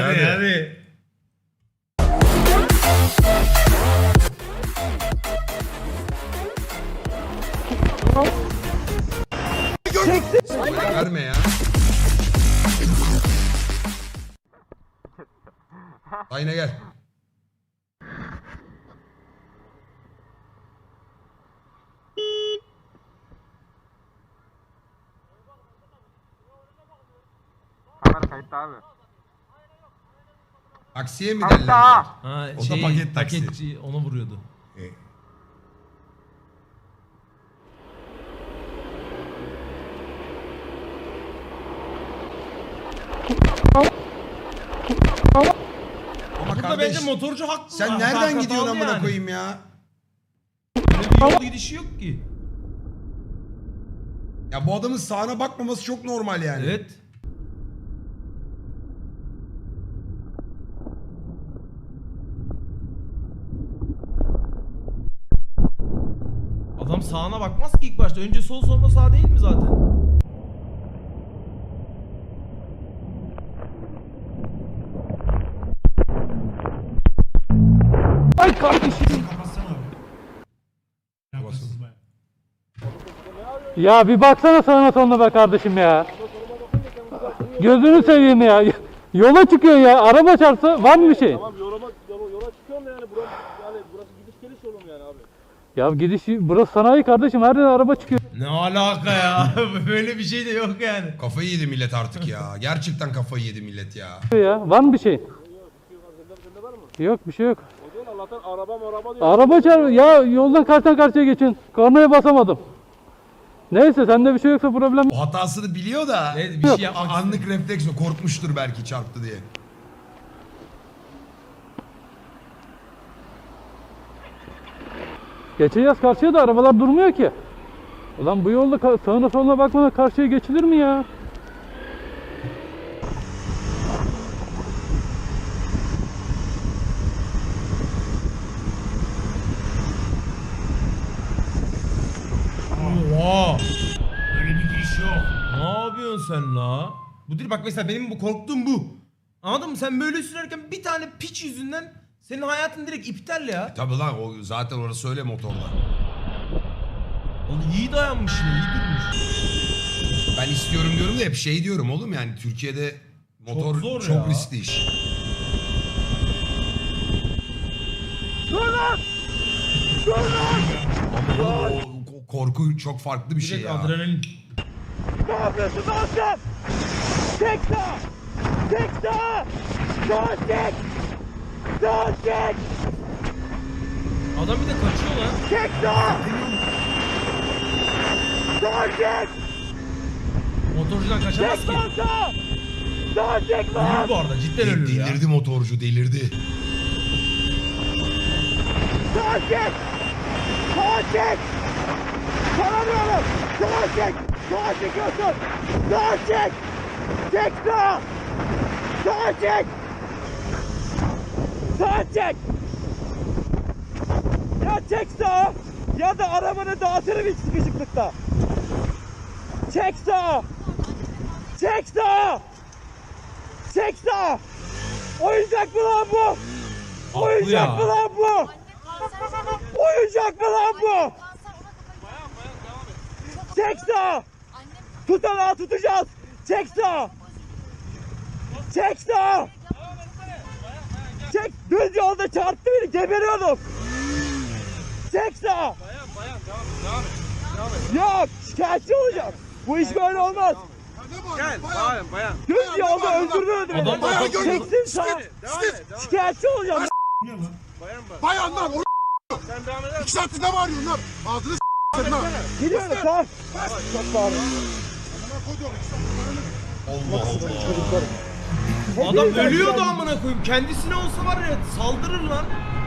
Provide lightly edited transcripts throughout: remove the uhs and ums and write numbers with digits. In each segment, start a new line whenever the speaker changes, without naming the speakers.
hadi.
Verme ya. Ayna gel.
Kamera kayıtta abi.
Taksiye mi
Kayıtta.
derler?
Ha,
O da paket taksi.
paketçi onu vuruyordu.
Ama
Burada
kardeş
bence motorcu haklı.
sen nereden
Hatalı
gidiyorsun amına
yani.
koyayım ya?
Böyle bir yol gidişi yok ki.
Ya bu adamın sağına bakmaması çok normal yani.
Evet. Adam sağına bakmaz ki ilk başta. Önce sol sonra sağ değil mi zaten?
Ay kardeşim. Ya bir baksana sağına soluna be kardeşim ya. Gözünü seveyim ya. Yola çıkıyor ya. Araba çarpsa var mı bir şey?
Tamam yola çıkıyorum da yani burası gidiş geliş yolum yani abi.
Ya gidiş burası sanayi kardeşim. Her yere araba çıkıyor
Ne alaka ya? Böyle bir şey de yok yani.
Kafayı yedi millet artık ya. Gerçekten kafayı yedi millet ya.
ya. Var mı bir şey?
Sende var mı?
Yok bir şey yok.
O zaman Allah'tan araba diyor.
Araba çarp ya yoldan karşıdan karşıya geçin. Kornaya basamadım. Neyse sende bir şey yoksa problem.
O hatasını biliyor da
Evet, bir şey yapmak
anlık refleks o. Korkmuştur belki çarptı diye.
Geçeceğiz karşıya da arabalar durmuyor ki. Ulan bu yolda sağına soluna bakmadan karşıya geçilir mi ya?
Oha. Öyle bir giriş yok. Ne yapıyorsun sen la? Bu değil bak mesela benim bu korktuğum bu. Anladın mı? Sen böyle sürerken bir tane piç yüzünden senin hayatın direkt iptal ya.
Tabii lan o zaten orası öyle motorla.
Oğlum iyi dayanmış yine, iyi durmuş.
Ben istiyorum diyorum da hep şey diyorum oğlum yani Türkiye'de motor
Çok zor
çok
ya.
riskli iş. Ama oğlum o korku çok farklı bir şey
Direkt
ya.
adrenalin.
Ne yapıyorsun Aslan? Tek sağ! Tek sağ! Sağ çek! Sağ çek!
Adam bir de kaçıyor lan.
Tek sağ! Sağ çek!
Motorcudan kaçamaz
Tek
ki.
sağ sağ! Sağ çek lan!
Ölür bu arada, cidden ölür ya.
Delirdi motorcu delirdi.
Sağ çek! Sağ çek! Tanımıyorum! Sağ çek! Sağ çekiyorsun! Sağ çek! Çek sağ! Sağ çek! Sağ çek! Ya çek sağ! Ya da arabanı dağıtırım hiç sıkışıklıkta! Çek sağ! Çek sağ! Çek sağ! Oyuncak mı lan bu? Oyuncak mı lan bu? Oyuncak mı lan bu? Çek sağ! Tutanağı tutacağız! Çek sağ! Çek sağ! Çek! Düz yolda çarptı beni geberiyordum! Çek sağ! Yok! Şikayetçi olacağım! Bu iş böyle olmaz!
Gel bayan.
Düz yolda öldürdü beni!
Adam bayağı
Çeksin sağ! Şikayetçi olacağım!
Bayan lan o
Sen devam eder
2 saattir ne bağırıyorsun lan? Ağzını s*********. lan.
Gidiyorum sağ! Çok bağırın!
Allah Allah.
Adam ölüyordu amına koyayım. Kendisine olsa var ya saldırır lan.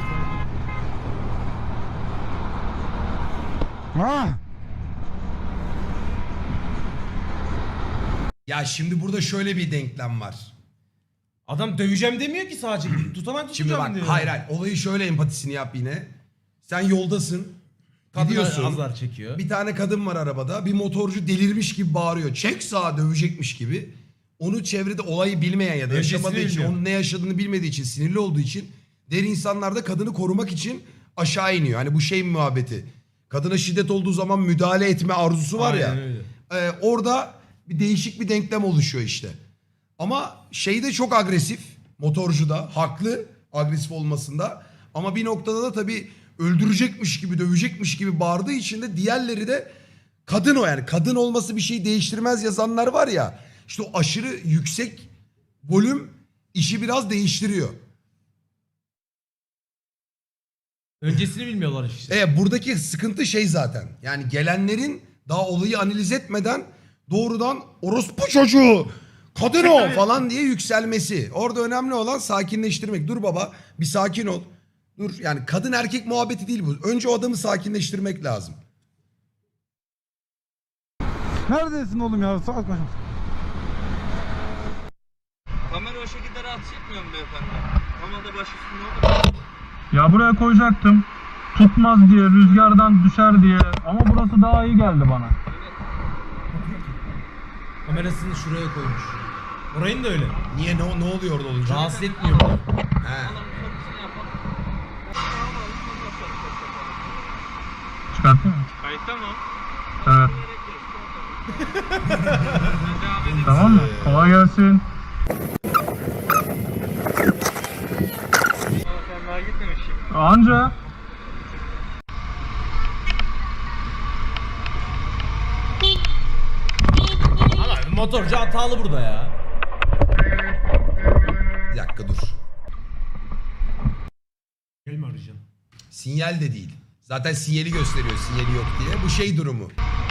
Ya şimdi burada şöyle bir denklem var.
Adam döveceğim demiyor ki sadece. Tutanak
Şimdi
tutacağım
bak
diyor.
hayır olayı şöyle empatisini yap yine. Sen yoldasın.
Kadın
Gidiyorsun.
azar çekiyor.
Bir tane kadın var arabada. Bir motorcu delirmiş gibi bağırıyor. Çek sağa dövecekmiş gibi. onu çevrede olayı bilmeyen ya da
Öncesini
yaşamadığı için,
bilmiyor.
onun ne yaşadığını bilmediği için, sinirli olduğu için diğer insanlar da kadını korumak için aşağı iniyor. Hani bu şey muhabbeti. Kadına şiddet olduğu zaman müdahale etme arzusu var ya.
Aynen öyle.
Orada bir değişik bir denklem oluşuyor işte. Ama şey de çok agresif. Motorcu da haklı agresif olmasında. Ama bir noktada da tabii öldürecekmiş gibi, dövecekmiş gibi bağırdığı için de diğerleri de kadın o yani. Kadın olması bir şey değiştirmez yazanlar var ya. İşte o aşırı yüksek volüm işi biraz değiştiriyor.
Öncesini bilmiyorlar işte.
Buradaki sıkıntı şey zaten. Yani gelenlerin daha olayı analiz etmeden doğrudan orospu çocuğu, kadın o falan diye yükselmesi. Orada önemli olan sakinleştirmek. Dur baba bir sakin ol. Dur yani kadın erkek muhabbeti değil bu. Önce o adamı sakinleştirmek lazım.
Neredesin oğlum ya? Saat kaç?
Kamera o şekilde rahatsız etmiyor mu beyefendi? Kamera baş üstünde olur.
Ya buraya koyacaktım. Tutmaz diye, rüzgardan düşer diye. Ama burası daha iyi geldi bana.
Kamerasını şuraya koymuş. Orayın da öyle.
Niye ne oluyor orada olunca?
Rahatsız etmiyor bunu.
He.
Çıkartayım mı?
Kayıtta mı?
Evet. Tamam mı? Kolay gelsin.
Sen daha gitmemişsin.
Anca.
Ama motorcu hatalı burada ya.
Bir dakika dur.
Gel mi arayacaksın?
Sinyal de değil. Zaten sinyali gösteriyor sinyali yok diye. Bu şey durumu.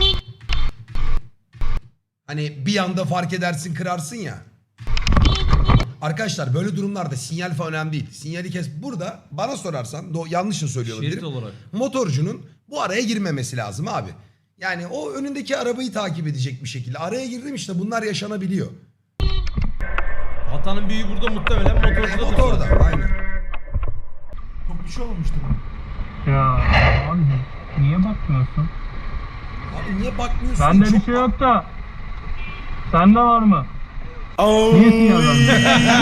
Hani bir anda fark edersin kırarsın ya. Arkadaşlar böyle durumlarda sinyal falan önemli değil. Sinyali kes. Burada bana sorarsan yanlış da söylüyor
Şerit
olabilirim.
olarak.
Motorcunun bu araya girmemesi lazım abi. Yani o önündeki arabayı takip edecek bir şekilde. Araya girdim işte bunlar yaşanabiliyor.
Hatanın büyüğü burada muhtemelen motorcuda.
Motorda aynen.
Çok bir şey olmamıştır.
Ya abi niye bakmıyorsun?
Abi niye bakmıyorsun?
Bende bir
Çok-
şey yok da. Sende var mı? Niye sinyal vermiyorsun?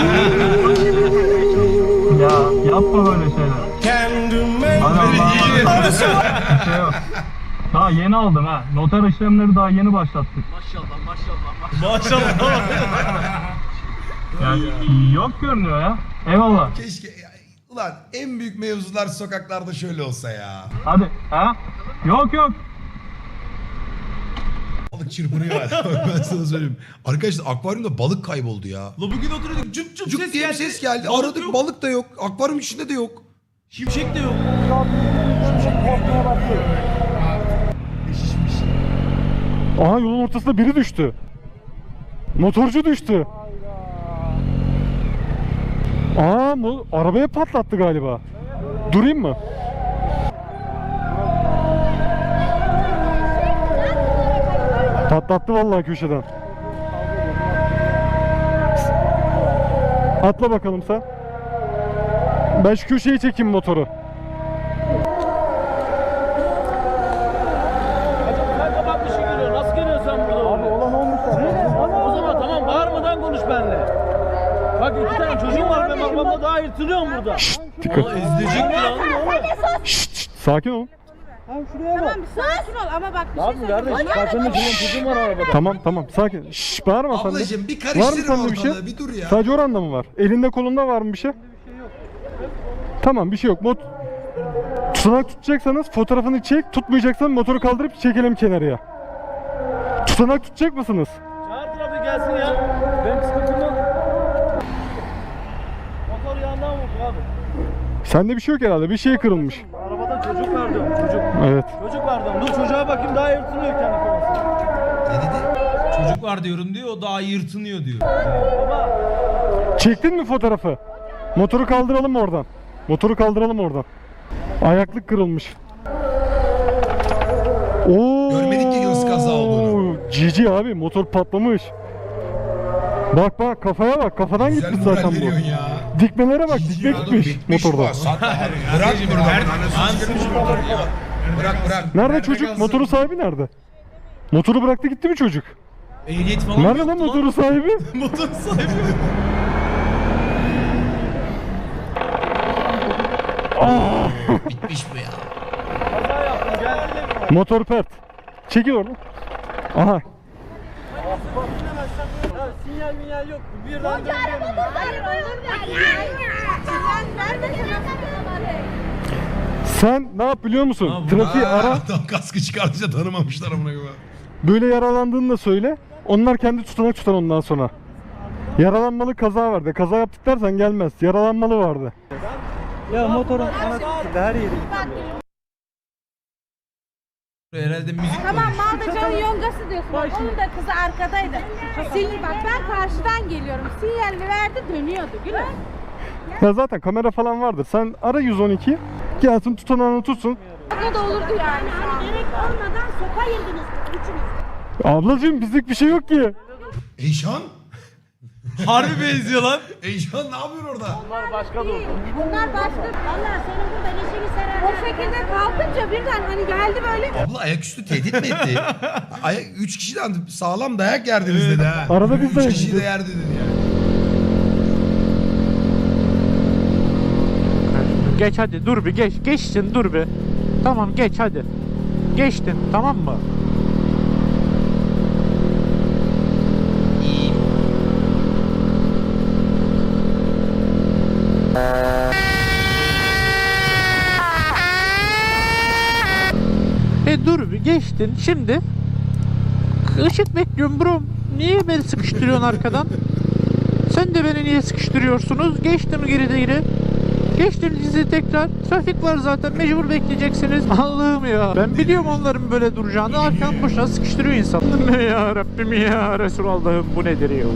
Ya yapma böyle şeyler. Hay Allah. Bir şey yok. Daha yeni aldım ha. Noter işlemleri daha yeni başlattık.
Maşallah.
Yani yok görünüyor ya. Eyvallah.
Keşke ulan en büyük mevzular sokaklarda şöyle olsa ya.
Hadi ha? Yok yok.
Balık çırpınıyor hala. Ben sana söyleyeyim. Arkadaşlar akvaryumda balık kayboldu ya.
La bugün oturuyorduk cüp cüp
Cuk
ses
diye bir
geldi.
ses geldi.
Balık
Aradık
yok.
balık da yok. Akvaryum içinde de yok.
Şimşek de yok.
Aha yolun ortasında biri düştü. Motorcu düştü. Aa arabaya patlattı galiba. Durayım mı? Patlattı vallahi köşeden. Atla bakalım sen. Ben şu köşeyi çekeyim motoru.
Sen kapatmışsın geliyor. Nasıl geliyorsun sen burada? Abi olan olmuş. O zaman tamam bağırmadan konuş benimle. Bak iki tane çocuğum var benim arabamda daha yırtılıyorum burada.
Dikkat.
İzleyecek mi lan?
Sakin ol.
Tamam sakin ol ama bak bir
Abi kardeş karşımda çocuğum var arabada.
Tamam sakin. Şşş bağırma sen de.
Ablacığım bir
Var mı
karıştırma
sende bir şey?
ortalığı. Bir dur ya.
Sadece oranda mı var? Elinde kolunda var mı bir şey? Tamam bir şey yok. Tutanak tutacaksanız fotoğrafını çek, tutmayacaksan motoru kaldırıp çekelim kenarıya. Tutanak tutacak mısınız?
Çağır trafiği gelsin ya. Benim sıkıntım yok. Motor yandan vurdu abi.
Sende bir şey yok herhalde. Bir şey kırılmış.
Arabada çocuk var diyorum çocuk.
Evet.
Çocuk var diyorum. Dur çocuğa bakayım daha yırtılıyor kendi kafası.
Ne dedi?
Çocuk var diyorum diyor, o daha yırtınıyor diyor.
Baba.
Çektin mi fotoğrafı? Motoru kaldıralım oradan. Motoru kaldıralım oradan. Ayaklık kırılmış. Oo.
Görmedik ki hız kaza olduğunu.
Cici abi motor patlamış. Bak kafaya bak. Kafadan
Güzel
gitmiş
moral
zaten bu.
veriyorsun ya.
Dikmelere bak. Dikme gitmiş motorda.
Bırak burada. Bırak.
Nerede çocuk? Motorun sahibi nerede? Motoru bıraktı gitti mi çocuk?
Ehliyet falan
Nerede
yok
lan motorun sahibi?
Motor sahibi.
Bitmiş bu ya.
Motor pert. Çekil oradan. Aha.
Sinyal minyal yok. Birden
Koca araba bu. Araba yok yani. Sinyal vermesene.
Sen ne yap biliyor musun?
Ha, bu-
Trafiği ara.
Adam kaskı çıkarınca tanımamışlar amına koyayım.
Böyle yaralandığını da söyle. Onlar kendi tutanak tutar ondan sonra. Yaralanmalı kaza vardı. Kaza yaptık dersen gelmez. Yaralanmalı vardı.
Ya motorun ana her yeri.
Herhalde müzik
Tamam
koymuş.
Maldacan'ın yongası diyorsun. Bak, onun da kızı arkadaydı. Bak ben karşıdan geliyorum. Sinyalini verdi dönüyordu. Gülüm.
Ya zaten kamera falan vardır. Sen ara 112. Gelsin tutanağını tutsun.
O da olurdu yani. Gerek olmadan sopa yediniz. Üçünüz.
Ablacığım bizlik bir şey yok ki.
Eyşan?
Harbi benziyor lan.
Eyşan ne yapıyor orada?
Bunlar başka. Valla senin bu beleşini serer. O şekilde kalkınca birden hani geldi böyle.
Abla ayaküstü tehdit mi etti? Üç kişiden sağlam dayak yerdiniz dedi ha.
Arada biz de
Üç kişi de
yiyeceğiz.
yerdi dedi ya.
Geç hadi dur bir geç. Geçsin dur bir. Tamam geç hadi. Geçtin tamam mı? Dur bir geçtin şimdi. Işık bekliyorum bro. Niye beni sıkıştırıyorsun arkadan? Sen de beni niye sıkıştırıyorsunuz? Geçtim geri. Geçtim sizi tekrar. Trafik var zaten mecbur bekleyeceksiniz. Allah'ım ya. Ben biliyorum onların böyle duracağını. Arkadan boşuna sıkıştırıyor insan. Ya Rabbim ya Resulallah'ım bu nedir ya?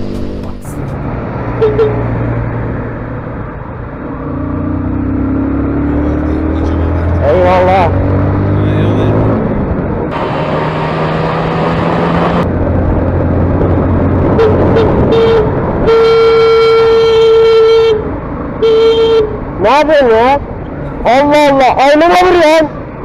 Eyvallah. Ne yapıyorsun ya? Allah Allah. Aynama vuruyorsun.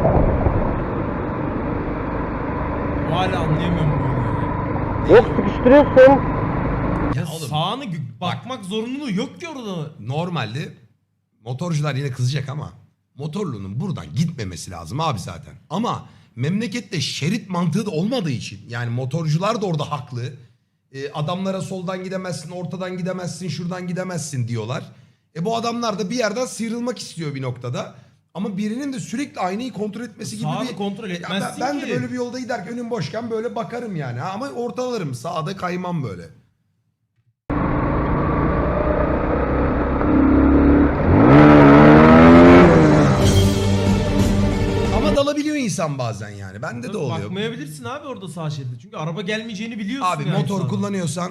Hala anlayamıyorum bunu.
Yok sıkıştırıyorsun.
Ya
oğlum,
sağını bakmak zorunluluğu yok ki orada.
Normalde motorcular yine kızacak ama motorlunun buradan gitmemesi lazım abi zaten. Ama memlekette şerit mantığı da olmadığı için yani motorcular da orada haklı. Adamlara soldan gidemezsin, ortadan gidemezsin, şuradan gidemezsin diyorlar. Bu adamlar da bir yerden sıyrılmak istiyor bir noktada. Ama birinin de sürekli aynayı kontrol etmesi gibi
Sağını
bir...
kontrol
Ya
etmezsin
ben
ki.
de böyle bir yolda giderken önüm boşken böyle bakarım yani. Ama ortalarım, sağda kaymam böyle. Ama dalabiliyor insan bazen yani. Bende de oluyor.
Bakmayabilirsin abi orada sağ şeride. Çünkü araba gelmeyeceğini biliyorsun.
Abi
yani
motor
sağda.
kullanıyorsan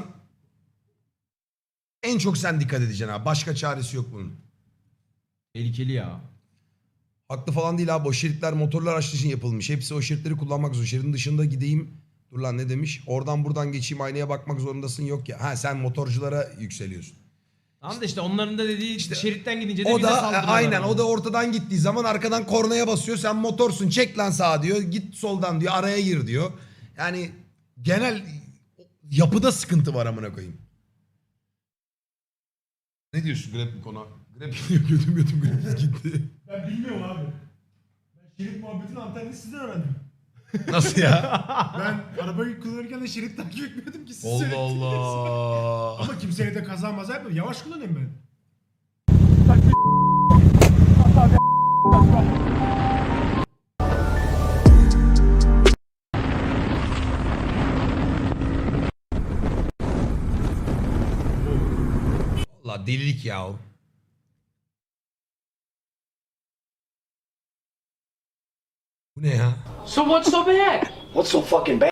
en çok sen dikkat edeceksin abi. Başka çaresi yok bunun.
Tehlikeli ya.
Haklı falan değil abi. O şeritler motorlar araçlar için yapılmış. Hepsi o şeritleri kullanmak zorunda. Şeridin dışında gideyim. Dur lan ne demiş? Oradan buradan geçeyim aynaya bakmak zorundasın. Yok ya. Ha sen motorculara yükseliyorsun.
Tamam da işte onların da dediği
İşte
şeritten gidince de
O
bize
da
saldırıyorlar.
aynen o da ortadan gittiği zaman arkadan kornaya basıyor. Sen motorsun çek lan sağa diyor. Git soldan diyor. Araya gir diyor. Yani genel yapıda sıkıntı var amına koyayım. Ne diyorsun Grab bu konu? Grab gidiyor götüm Grab gitti.
Ben bilmiyorum abi. Ben şerit muhabbetini antenini sizden öğrendim.
Nasıl ya?
Ben arabayı kullanırken de şerit takip etmiyordum ki siz
Allah
söylediniz.
Allah.
Ama kimseye de kaza maza yapmadım. Yavaş kullanıyorum ben.
Allah delilik ya o. Bu ne ya?
So what's so bad? What's so fucking bad?